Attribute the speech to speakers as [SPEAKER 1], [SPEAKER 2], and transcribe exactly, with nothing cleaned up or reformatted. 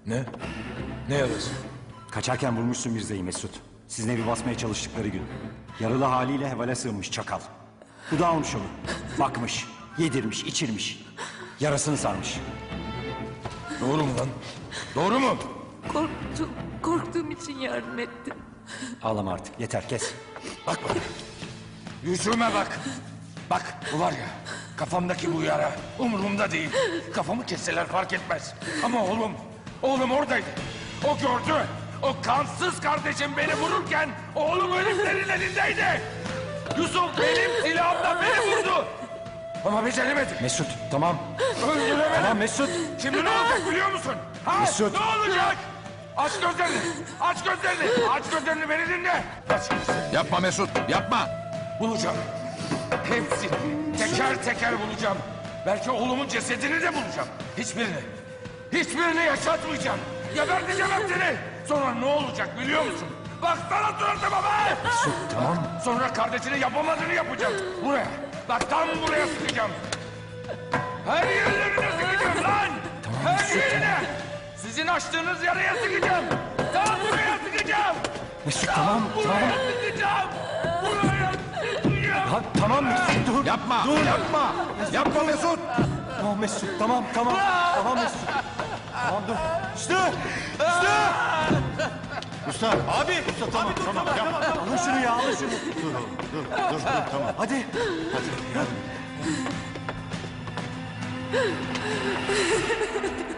[SPEAKER 1] Ne? Ne yarası?
[SPEAKER 2] Kaçarken vurmuşsun Mirza'yı Mesut. Sizin evi basmaya çalıştıkları gün. Yaralı haliyle hevale sığınmış çakal. Bu da almış onu. Bakmış, yedirmiş, içirmiş. Yarasını sarmış.
[SPEAKER 1] Doğru mu lan? Doğru mu?
[SPEAKER 3] Korktum, korktuğum için yardım ettim.
[SPEAKER 2] Ağlama artık, yeter kes.
[SPEAKER 1] Bak bana. Yüzüme bak. Bak bu var ya, kafamdaki bu yara umurumda değil. Kafamı kesseler fark etmez. Ama oğlum, oğlum oradaydı. O gördü. O kansız kardeşim beni vururken oğlum heriflerin elindeydi. Yusuf benim silahımla beni vurdu. Ama beceremedi.
[SPEAKER 2] Mesut, tamam.
[SPEAKER 1] Öldüremedim.
[SPEAKER 2] Tamam Mesut.
[SPEAKER 1] Şimdi ne olacak biliyor musun? Ha?
[SPEAKER 2] Mesut.
[SPEAKER 1] Ne olacak? Aç gözlerini. Aç gözlerini. Aç gözlerini beni dinle. Aç gözlerini.
[SPEAKER 4] Yapma Mesut, yapma.
[SPEAKER 1] Bulacağım. Hepsini teker teker bulacağım. Belki oğlumun cesedini de bulacağım. Hiçbirini. Hiçbirini yaşatmayacağım. Geberteceğim hepsini. Sonra ne olacak biliyor musun? Baksana suratıma be!
[SPEAKER 2] Mesut, tamam.
[SPEAKER 1] Sonra kardeşinin yapamadığını yapacağım. Buraya. Bak tam buraya sıkacağım. Her yerlerine sıkacağım lan! Her yerine! Sizin açtığınız yaraya sıkacağım. Tam buraya sıkacağım.
[SPEAKER 2] Mesut, tamam,
[SPEAKER 1] Buraya
[SPEAKER 2] tamam.
[SPEAKER 1] sıkacağım. Buraya sıkacağım.
[SPEAKER 2] Ha, tamam Mesut, dur.
[SPEAKER 4] Yapma,
[SPEAKER 2] Dur.
[SPEAKER 4] yapma. Yapma Mesut.
[SPEAKER 2] Tamam Mesut, tamam, tamam. Tamam Mesut. Tamam dur. Üstü! Üstü!
[SPEAKER 4] Usta, abi. Usta tamam, tamam, yapma.
[SPEAKER 2] Alın şunu ya, alın şunu.
[SPEAKER 4] Dur, dur, dur, dur, tamam.
[SPEAKER 2] Hadi. Hadi.